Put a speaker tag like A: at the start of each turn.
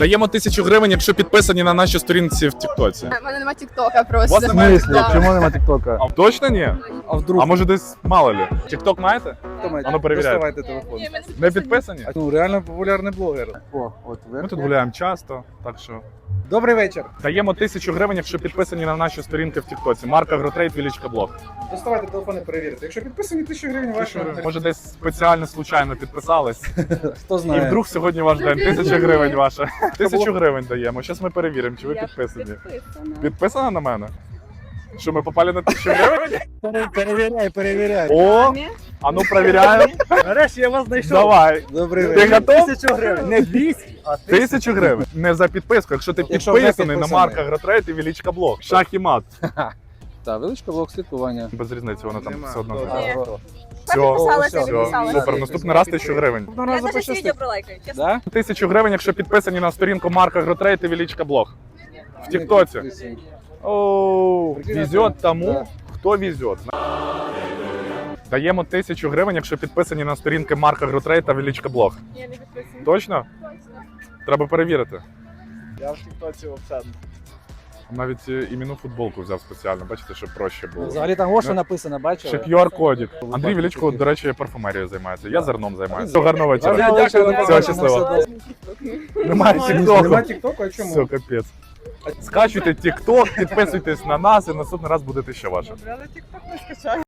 A: Даємо 1000 гривень, якщо підписані на наші сторінці в Тіктоці.
B: У мене нема тіктока просто.
A: У вас немає
B: Да.
C: Чому нема тіктока?
A: А точно ні?
C: А вдруг?
A: А може десь мало лі? Тікток маєте? А ну перевіряйте.
C: Доставайте телефон.
B: Ні, мене
A: Не підписані?
C: Ну, реально популярний блогер. О, от
A: Ми тут гуляємо часто, так що.
C: Добрий вечір.
A: Даємо 1000 гривень, якщо підписані на наші сторінки в Тіктоці. Марка Гротрейд, Вілічка Блог.
C: Доставайте телефон і перевірте. Якщо підписані, 1000 гривень ваші.
A: Може десь спеціально, случайно підписались.
C: Хто
A: І
C: знає.
A: вдруг сьогодні ваш день. 1000 гривень ваша. 1000 гривень даємо. Зараз ми перевіримо, чи ви підписані. Підписана на мене? Що, ми попали на 1000 гривень?
C: Перевіряй.
A: О, а ну перевіряємо.
C: Нарешті я вас знайшов.
A: Давай.
C: Добрий
A: Ти
C: вечір.
A: готов?
C: 1000 гривень. Не 200, а
A: 1000 гривень. Не за підписку, якщо ти
C: Якщо не
A: підписаний на
C: підписаний.
A: Марка Гротрейд і Вілічка Блог. Шах і мат.
C: Так, величка блок слідкування.
A: Без різниці, воно там все одно.
B: Ні.
A: Все,
B: Підписалася,
A: все,
B: підписалася.
A: супер. Наступний раз 1000 гривень.
C: Одного
B: Я
C: разу
B: навіть
C: пощастить.
B: відео пролайкаю, чесно.
C: Да?
A: 1000 гривень, якщо підписані на сторінку Марка Гротрейд і Вілічка Блог. В Тіктоці. Оу, везет тому, хто везет. Даємо 1000 гривень, якщо підписані на сторінки Марка Гротрейд та Вілічка Блог.
B: Я не підписана.
A: Точно? Треба перевірити.
C: Я в тіктоці взагалі.
A: Навіть іменну футболку взяв спеціально, бачите, щоб проще було.
C: Взагалі там ось що написано,
A: Ще
C: бачили?
A: QR-кодик. Андрій Вілічко, до речі, парфумерією займається. Я зерном займаюся. Все, гарного вечора.
C: Дякую,
A: Все,
C: дякую.
A: щасливо. Немає
C: Нема
A: тіктоку.
C: тіктоку, а чому?
A: Все, капець. Скачуйте тікток, підписуйтесь на нас і наступний раз будете ще ваше.
B: Добре, але тікток не скачаю.